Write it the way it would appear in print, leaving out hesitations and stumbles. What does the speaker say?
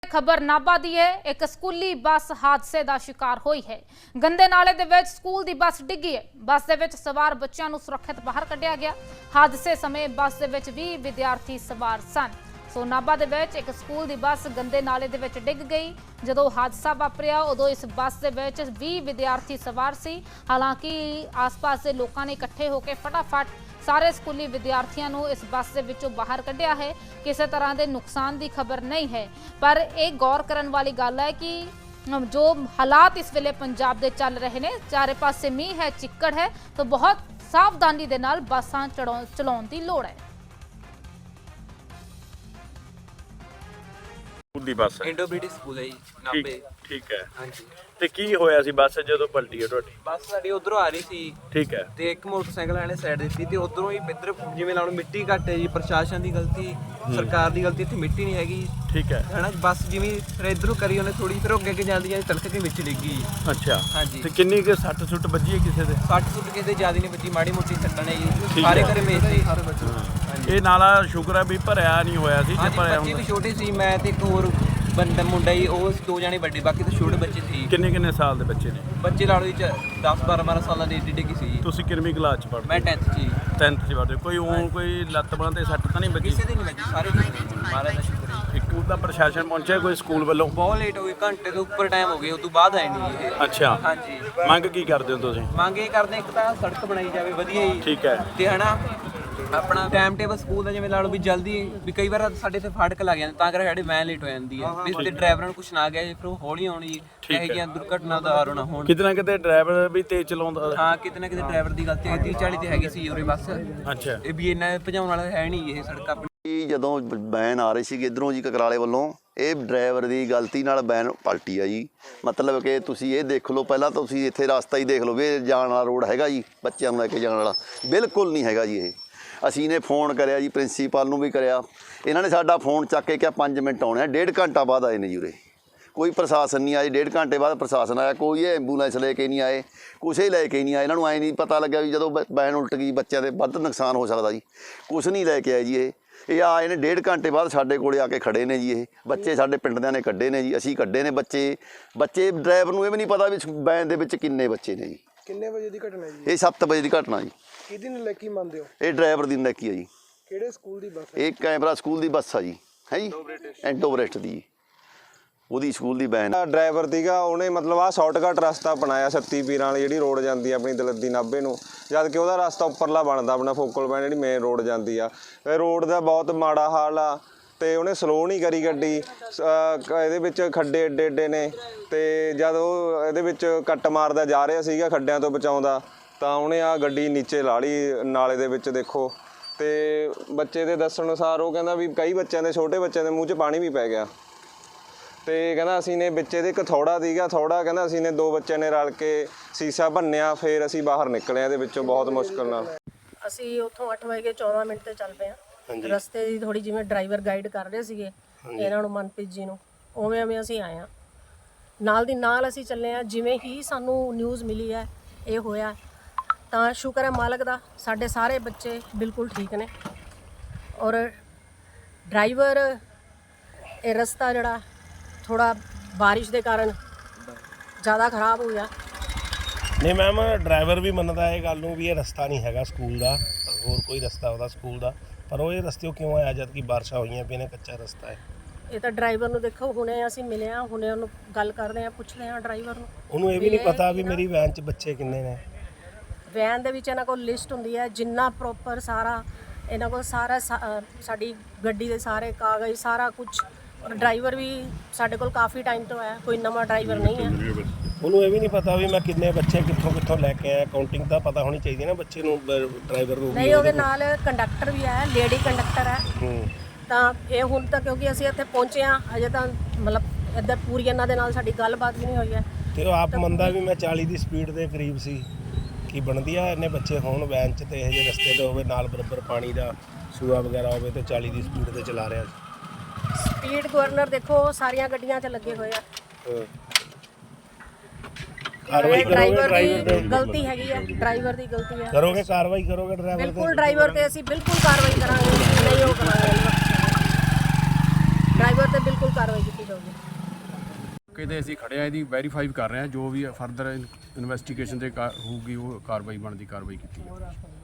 खबर नाभा दी है। एक स्कूली बस हादसे का शिकार हुई है। गंदे नाले दे विच स्कूल दी बस डिगी है। बस दे विच सवार बच्चों नूं सुरक्षित बाहर कढ़िया गया। हादसे समय बस दे विच 20 विद्यार्थी सवार सन। सो नाभा दे विच एक स्कूल दी बस गंदे नाले दे विच डिग गई। जदों हादसा वापरिया उदों इस बस दे विच 20 विद्यार्थी सवार सी। हालांकि आस पास के लोगों ने इकट्ठे होकर फटाफट सारे स्कूली विद्यार्थियों को इस बस के विचों बाहर कढ़िया है। किसी तरह के नुकसान की खबर नहीं है, पर एक गौर करने वाली गल है कि जो हालात इस वेले पंजाब दे चल रहे हैं, चारे पासे मीह है, चिक्कड़ है, तो बहुत सावधानी दे नाल बसां चलाउण दी लोड़ है। ਦੀ ਬੱਸ ਹੈ इंडो ब्रिटिश स्कूल है जी नाभे। ਠੀਕ ਹੈ हाँ जी ਤੇ ਕੀ ਹੋਇਆ ਸੀ ਬੱਸ ਜਦੋਂ ਪਲਟੀ ਹੈ ਤੁਹਾਡੀ? बस साडी उधरों आ रही सी ਠੀਕ ਹੈ ਤੇ ਇੱਕ ਮੋਟਰਸਾਈਕਲ ਵਾਲੇ ਸਾਈਡ ਦਿੱਤੀ ਤੇ ਉਧਰੋਂ ਹੀ ਇੱਧਰ ਜਿਵੇਂ ਲਾ ਲਓ ਮਿੱਟੀ ਘੱਟ ਹੈ ਜੀ, ਪ੍ਰਸ਼ਾਸਨ ਦੀ ਗਲਤੀ, ਸਰਕਾਰ ਦੀ ਗਲਤੀ, ਇੱਥੇ ਮਿੱਟੀ ਨਹੀਂ ਹੈਗੀ ਠੀਕ ਹੈ ਹਨਾ। ਬੱਸ ਜਿਵੇਂ ਫਿਰ ਇੱਧਰੋਂ ਕਰੀ ਉਹਨੇ ਥੋੜੀ, ਫਿਰ ਉਹ ਅੱਗੇ ਜਾਂਦੀ ਜਾਂਦੀ ਤਲਕ ਕੇ ਵਿੱਚ ਡਿੱਗ ਗਈ। ਅੱਛਾ ਹਾਂਜੀ ਤੇ ਕਿੰਨੀ ਕੁ ਸੱਟ ਸੁੱਟ ਵੱਜੀ ਹੈ ਕਿਸੇ ਦੇ? 60 ਸੁੱਟ ਕਿਸੇ ਦੇ ਜ਼ਿਆਦਾ ਨਹੀਂ ਵੱਜੀ, ਮਾੜੀ ਮੋਟੀ ਸੱਟਾਂ ਨੇ ਜੀ। ਠੀਕ ਸਾਰੇ ਹੈ। ਘਰੇ ਮੇਜ ਤੇ ਸਾਰੇ ਬੱਚੇ। ਇਹ ਨਾਲਾ ਸ਼ੁਕਰ ਹੈ ਵੀ ਭਰਿਆ ਨਹੀਂ ਹੋਇਆ ਸੀ। ਜੇ ਹਾਂਜੀ ਭਰਿਆ ਬੱਚੇ ਵੀ ਹੁੰਦਾ ਛੋਟੇ ਸੀ, ਮੈਂ ਤੇ ਇੱਕ ਹੋਰ ਬੰਦਾ ਮੁੰਡਾ ਹੀ, ਉਹ ਦੋ ਜਾਣੇ ਵੱਡੇ, ਬਾਕੀ ਤਾਂ ਛੋਟੇ ਬੱਚੇ ਸੀ। ਕਿੰਨੇ ਸਾਲ ਦੇ ਬੱਚੇ ਨੇ? ਬੱਚੇ ਲਾ ਲਓ ਜੀ 10 12 ਸਾਲਾਂ ਦੇ ਏਡੀ ਡਿੱਗੀ ਸੀ ਜੀ। ਤੁਸੀਂ ਕਿੰਨਵੀਂ ਕਲਾਸ ਚ ਪੜ੍ਹਦੇ? ਮੈਂ 10th ਚ ਜੀ। 10th ਚ ਪੜ੍ਹਦੇ। ਕੋਈ ਲੱਤ ਬਾਂਹ ਤੇ ਸੱਟ ਤਾਂ ਨਹੀਂ ਵੱਜੀ? ਕਿਸੇ ਦੀ ਨਹੀਂ ਵੱਜੀ, ਸਾਰੇ ਮਹਾਰਾਜ ਦਾ ਸ਼ੁਕਰ ਹੈ। ਇੱਕ ਉਹਦਾ ਪ੍ਰਸ਼ਾਸਨ ਪਹੁੰਚਿਆ ਕੋਈ ਸਕੂਲ ਵੱਲੋਂ? ਬਹੁਤ ਲੇਟ ਹੋ ਗਈ, ਘੰਟੇ ਤੋਂ ਉੱਪਰ ਟਾਈਮ ਹੋ ਗਿਆ, ਉਸ ਤੋਂ ਬਾਅਦ ਆਏ ਨਹੀਂ ਇਹ। ਅੱਛਾ ਹਾਂਜੀ ਮੰਗ ਕੀ ਕਰਦੇ ਹੋ ਤੁਸੀਂ? ਮੰਗ ਇਹ ਕਰਦੇ, ਇੱਕ ਤਾਂ ਸੜਕ ਬਣਾਈ ਜਾਵੇ ਵਧੀਆ ਜੀ, ਠੀਕ ਹੈ ਤੇ ਹਨਾ ਆਪਣਾ ਟਾਈਮ ਟੇਬਲ ਸਕੂਲ ਦਾ ਜਿਵੇਂ ਲਾ ਲਓ ਵੀ ਜਲਦੀ, ਵੀ ਕਈ ਵਾਰ ਸਾਡੇ ਇੱਥੇ ਫਾਟਕ ਲੱਗ ਜਾਂਦੇ ਤਾਂ ਕਰਕੇ ਸਾਡੀ ਵੈਨ ਲੇਟ ਹੋ ਜਾਂਦੀ ਹੈ, ਵੀ ਤੇ ਡਰਾਈਵਰਾਂ ਨੂੰ ਕੁਛ ਨਾ ਗਿਆ ਜੀ, ਫਿਰ ਉਹ ਹੌਲੀ ਆਉਣੀ ਜੀ, ਇਹੋ ਜਿਹੀਆਂ ਦੁਰਘਟਨਾ ਦਾ ਆਰੋ ਨਾ ਹੋਣ। ਕਿਤੇ ਨਾ ਕਿਤੇ ਡਰਾਈਵਰ ਵੀ ਤੇਜ਼ ਚਲਾਉਂਦਾ? ਹਾਂ ਕਿਤੇ ਨਾ ਕਿਤੇ ਡਰਾਈਵਰ ਦੀ ਗਲਤੀ ਹੈ। 30 40 ਤੇ ਹੈਗੀ ਸੀ ਉਰੇ ਬੱਸ, ਅੱਛਾ ਇਹ ਵੀ ਇੰਨਾ ਭਜਾਉਣ ਵਾਲਾ ਹੈ ਨਹੀਂ ਇਹ ਸੜਕ ਆਪਣੀ। ਜਦੋਂ ਵੈਨ ਆ ਰਹੀ ਸੀ ਇੱਧਰੋਂ ਜੀ ਕਕਰਾਲੇ ਵੱਲੋਂ, ਇਹ ਡਰਾਈਵਰ ਦੀ ਗਲਤੀ ਨਾਲ ਵੈਨ ਪਲਟੀ ਆ ਜੀ। ਮਤਲਬ ਕਿ ਤੁਸੀਂ ਇਹ ਦੇਖ ਲਓ, ਪਹਿਲਾਂ ਤੁਸੀਂ ਇੱਥੇ ਰਸਤਾ ਹੀ ਦੇਖ ਲਓ ਵੀ ਇਹ ਜਾਣ ਵਾਲਾ ਰੋਡ ਹੈਗਾ ਜੀ, ਬੱਚਿਆਂ ਨੂੰ ਲੈ ਕੇ ਜਾਣ ਵਾਲਾ ਬਿਲਕੁਲ ਨਹੀਂ ਹੈਗਾ ਜੀ। ਇਹ ਅਸੀਂ ਨੇ ਫੋਨ ਕਰਿਆ ਜੀ, ਪ੍ਰਿੰਸੀਪਲ ਨੂੰ ਵੀ ਕਰਿਆ, ਇਹਨਾਂ ਨੇ ਸਾਡਾ ਫੋਨ ਚੱਕ ਕੇ ਕਿਹਾ 5 ਮਿੰਟ ਆਉਣੇ ਆ। 1.5 ਘੰਟਾ ਬਾਅਦ ਆਏ ਨੇ ਜੀ ਉਰੇ, ਕੋਈ ਪ੍ਰਸ਼ਾਸਨ ਨਹੀਂ ਆਏ। 1.5 ਘੰਟੇ ਬਾਅਦ ਪ੍ਰਸ਼ਾਸਨ ਆਇਆ, ਕੋਈ ਐਂਬੂਲੈਂਸ ਲੈ ਕੇ ਨਹੀਂ ਆਏ, ਕੁਛ ਹੀ ਲੈ ਕੇ ਨਹੀਂ ਆਏ। ਇਹਨਾਂ ਨੂੰ ਐਂ ਨਹੀਂ ਪਤਾ ਲੱਗਿਆ ਵੀ ਜਦੋਂ ਵੈਨ ਉਲਟ ਗਈ ਬੱਚਿਆਂ ਦੇ ਵੱਧ ਨੁਕਸਾਨ ਹੋ ਸਕਦਾ ਜੀ, ਕੁਛ ਨਹੀਂ ਲੈ ਕੇ ਆਏ ਜੀ। ਇਹ ਆਏ ਨੇ 1.5 ਘੰਟੇ ਬਾਅਦ ਸਾਡੇ ਕੋਲੇ ਆ ਕੇ ਖੜੇ ਨੇ ਜੀ। ਇਹ ਬੱਚੇ ਸਾਡੇ ਪਿੰਡ ਦਿਆਂ ਨੇ ਕੱਢੇ ਨੇ ਜੀ, ਅਸੀਂ ਕੱਢੇ ਨੇ ਬੱਚੇ। ਡਰਾਈਵਰ ਨੂੰ ਇਹ ਵੀ ਨਹੀਂ ਪਤਾ ਵੀ ਵੈਨ ਦੇ ਵਿੱਚ ਕਿੰਨੇ ਬੱਚੇ ਨੇ ਜੀ। ਕਿੰਨੇ ਵਜੇ ਦੀ ਘਟਨਾ ਹੈ ਜੀ? ਇਹ 7 ਵਜੇ ਦੀ ਘਟਨਾ ਜੀ। ਕਿਹਦੀ ਨਲਾਇਕੀ ਮੰਨਦੇ ਹੋ? ਇਹ ਡਰਾਈਵਰ ਦੀ ਨਲਾਇਕੀ ਆ ਜੀ। ਕਿਹੜੇ ਸਕੂਲ ਦੀ ਬੱਸ ਹੈ? ਇਹ ਕੈਮਰਾ ਸਕੂਲ ਦੀ ਬੱਸ ਆ ਜੀ, ਹੈ ਜੀ, ਐਂਟੋਬਰੇਸਟ ਦੀ, ਉਹਦੀ ਸਕੂਲ ਦੀ ਵੈਨ। ਡਰਾਈਵਰ ਸੀਗਾ, ਉਹਨੇ ਮਤਲਬ ਆਹ ਸ਼ਾਰਟਕਟ ਰਸਤਾ ਬਣਾਇਆ ਸੱਤੀ ਪੀਰਾਂ ਵਾਲੀ ਜਿਹੜੀ ਰੋਡ ਜਾਂਦੀ ਆ ਆਪਣੀ ਦਲੱਦੀ ਨਾਭੇ ਨੂੰ, ਜਦ ਕਿ ਉਹਦਾ ਰਸਤਾ ਉੱਪਰਲਾ ਬਣਦਾ ਆਪਣਾ ਫੋਕਲ ਪੁਆਇੰਟ ਜਿਹੜੀ ਮੇਨ ਰੋਡ ਜਾਂਦੀ ਆ। ਇਹ ਰੋਡ ਦਾ ਬਹੁਤ ਮਾੜਾ ਹਾਲ ਆ ਤੇ ਉਹਨੇ ਸਲੋ ਨਹੀਂ ਕਰੀ ਗੱਡੀ। ਇਹਦੇ ਵਿੱਚ ਖੱਡੇ ਏਡੇ ਏਡੇ ਨੇ, ਤੇ ਜਦ ਉਹ ਇਹਦੇ ਵਿੱਚ ਕੱਟ ਮਾਰਦਾ ਜਾ ਰਿਹਾ ਸੀਗਾ ਖੱਡਿਆਂ ਤੋਂ ਬਚਾਉਂਦਾ, ਤਾਂ ਉਹਨੇ ਆ ਗੱਡੀ ਨੀਚੇ ਲਾ ਲਈ ਨਾਲੇ ਦੇ ਵਿੱਚ। ਦੇਖੋ, ਤੇ ਬੱਚੇ ਦੇ ਦੱਸਣ ਅਨੁਸਾਰ ਉਹ ਕਹਿੰਦਾ ਵੀ ਕਈ ਬੱਚਿਆਂ ਦੇ, ਛੋਟੇ ਬੱਚਿਆਂ ਦੇ ਮੂੰਹ 'ਚ ਪਾਣੀ ਵੀ ਪੈ ਗਿਆ। ਤੇ ਕਹਿੰਦਾ ਅਸੀਂ ਨੇ ਵਿੱਚ ਇਹਦੇ ਇੱਕ ਥੋੜਾ ਸੀਗਾ, ਥੋੜਾ ਕਹਿੰਦਾ ਅਸੀਂ ਨੇ 2 ਬੱਚਿਆਂ ਨੇ ਰਲ ਕੇ ਸੀਸਾ ਭੰਨਿਆ, ਫਿਰ ਅਸੀਂ ਬਾਹਰ ਨਿਕਲੇ ਇਹਦੇ ਵਿੱਚੋਂ ਬਹੁਤ ਮੁਸ਼ਕਲ ਨਾਲ। ਅਸੀਂ ਉੱਥੋਂ 8:14 ਤੇ ਚੱਲ ਪਏ ਹਾਂ। ਰਸਤੇ ਦੀ ਥੋੜੀ ਜਿਵੇਂ ਡਰਾਈਵਰ ਗਾਈਡ ਕਰ ਰਹੇ ਸੀਗੇ ਇਹਨਾਂ ਨੂੰ, ਮਨਪ੍ਰੀਤ ਜੀ ਨੂੰ, ਉਵੇਂ ਅਸੀਂ ਆਏ ਹਾਂ। ਨਾਲ ਦੀ ਨਾਲ ਅਸੀਂ ਚੱਲੇ ਹਾਂ। ਜਿਵੇਂ ਹੀ ਸਾਨੂੰ ਨਿਊਜ਼ ਮਿਲੀ ਹੈ ਇਹ ਹੋਇਆ, ਤਾਂ ਸ਼ੁਕਰ ਹੈ ਮਾਲਕ ਦਾ, ਸਾਡੇ ਸਾਰੇ ਬੱਚੇ ਬਿਲਕੁਲ ਠੀਕ ਨੇ। ਔਰ ਡਰਾਈਵਰ, ਇਹ ਰਸਤਾ ਜਿਹੜਾ ਥੋੜਾ ਬਾਰਿਸ਼ ਦੇ ਕਾਰਨ ਜ਼ਿਆਦਾ ਖਰਾਬ ਹੋ ਗਿਆ। ਨਹੀਂ ਮੈਮ, ਡਰਾਈਵਰ ਵੀ ਮੰਨਦਾ ਇਹ ਗੱਲ ਨੂੰ ਵੀ ਇਹ ਰਸਤਾ ਨਹੀਂ ਹੈਗਾ ਸਕੂਲ ਦਾ, ਹੋਰ ਕੋਈ ਰਸਤਾ ਉਹਦਾ ਸਕੂਲ ਦਾ, ਪਰ ਉਹ ਇਹ ਰਸਤੇ ਕਿਉਂ ਆਇਆ ਜਦ ਕਿ ਬਾਰਿਸ਼ਾਂ ਹੋਈਆਂ ਪਈਆਂ ਨੇ, ਕੱਚਾ ਰਸਤਾ ਹੈ। ਇਹ ਤਾਂ ਡਰਾਈਵਰ ਨੂੰ ਦੇਖੋ, ਹੁਣੇ ਅਸੀਂ ਮਿਲੇ ਹਾਂ, ਹੁਣੇ ਉਹਨੂੰ ਗੱਲ ਕਰਦੇ ਹਾਂ, ਪੁੱਛਦੇ ਹਾਂ ਡਰਾਈਵਰ ਨੂੰ। ਉਹਨੂੰ ਇਹ ਵੀ ਨਹੀਂ ਪਤਾ ਵੀ ਮੇਰੀ ਵੈਨ 'ਚ ਬੱਚੇ ਕਿੰਨੇ ਨੇ। ਵੈਨ ਦੇ ਵਿੱਚ ਇਹਨਾਂ ਕੋਲ ਲਿਸਟ ਹੁੰਦੀ ਹੈ, ਜਿੰਨਾ ਪ੍ਰੋਪਰ ਸਾਰਾ ਇਹਨਾਂ ਕੋਲ ਸਾਰਾ ਸਾਡੀ ਗੱਡੀ ਦੇ ਸਾਰੇ ਕਾਗਜ਼ ਸਾਰਾ ਕੁਝ। ਔਰ ਡਰਾਈਵਰ ਵੀ ਸਾਡੇ ਕੋਲ ਕਾਫੀ ਟਾਈਮ ਤੋਂ ਆਇਆ, ਕੋਈ ਨਵਾਂ ਡਰਾਈਵਰ ਨਹੀਂ ਹੈ। ਉਹਨੂੰ ਇਹ ਵੀ ਨਹੀਂ ਪਤਾ ਵੀ ਮੈਂ ਕਿੰਨੇ ਬੱਚੇ ਕਿੱਥੋਂ ਲੈ ਕੇ ਆਇਆ। ਕਾਊਂਟਿੰਗ ਤਾਂ ਪਤਾ ਹੋਣੀ ਚਾਹੀਦੀ ਨਾ ਬੱਚੇ ਨੂੰ, ਡਰਾਈਵਰ ਨੂੰ। ਨਹੀਂ, ਉਹਦੇ ਨਾਲ ਕੰਡਕਟਰ ਵੀ ਹੈ, ਲੇਡੀ ਕੰਡਕਟਰ ਹੈ। ਤਾਂ ਇਹ ਹੁਣ ਤਾਂ ਕਿਉਂਕਿ ਅਸੀਂ ਇੱਥੇ ਪਹੁੰਚੇ ਹਾਂ, ਅਜੇ ਤਾਂ ਮਤਲਬ ਇੱਧਰ ਪੂਰੀ ਇਹਨਾਂ ਦੇ ਨਾਲ ਸਾਡੀ ਗੱਲਬਾਤ ਵੀ ਨਹੀਂ ਹੋਈ ਹੈ। ਤੇ ਉਹ ਆਪ ਮੰਨਦਾ ਵੀ ਮੈਂ 40 ਦੀ ਸਪੀਡ ਦੇ ਕਰੀਬ ਸੀ। ਕੀ ਬਣਦੀ ਆ ਇੰਨੇ ਬੱਚੇ ਹੋਣ ਵੈਨ 'ਚ, ਤੇ ਇਹੋ ਜਿਹੇ ਰਸਤੇ 'ਤੇ ਹੋਵੇ, ਨਾਲ ਬਰਾਬਰ ਪਾਣੀ ਦਾ ਸੂਆ ਵਗੈਰਾ ਹੋਵੇ, ਤੇ 40 ਦੀ ਸਪੀਡ 'ਤੇ ਚਲਾ ਰਿਹਾ ਸੀ। ਸਪੀਡ ਗਵਰਨਰ ਦੇਖੋ ਸਾਰੀਆਂ ਗੱਡੀਆਂ 'ਚ ਲੱਗੇ ਹੋਏ ਆ। ਕਾਰਵਾਈ ਕਰੋਗੇ? ਡਰਾਈਵਰ ਦੀ ਗਲਤੀ ਹੈਗੀ ਹੈ, ਡਰਾਈਵਰ ਦੀ ਗਲਤੀ ਹੈ। ਕਰੋਗੇ ਕਾਰਵਾਈ ਕਰੋਗੇ ਡਰਾਈਵਰ ਤੇ? ਬਿਲਕੁਲ ਡਰਾਈਵਰ ਤੇ ਅਸੀਂ ਬਿਲਕੁਲ ਕਾਰਵਾਈ ਕਰਾਂਗੇ, ਨਹੀਂ ਉਹ ਕਰਾਂਗੇ। ਡਰਾਈਵਰ ਤੇ ਬਿਲਕੁਲ ਕਾਰਵਾਈ ਕੀਤੀ ਜਾਊਗੀ। ਕਿਤੇ ਅਸੀਂ ਖੜਿਆ ਇਹਦੀ ਵੈਰੀਫਾਈ ਕਰ ਰਹੇ ਹਾਂ, ਜੋ ਵੀ ਫਰਦਰ ਇਨਵੈਸਟੀਗੇਸ਼ਨ ਦੇ ਹੋਊਗੀ ਉਹ ਕਾਰਵਾਈ ਬਣਦੀ ਕਾਰਵਾਈ ਕੀਤੀ ਜਾਊਗੀ।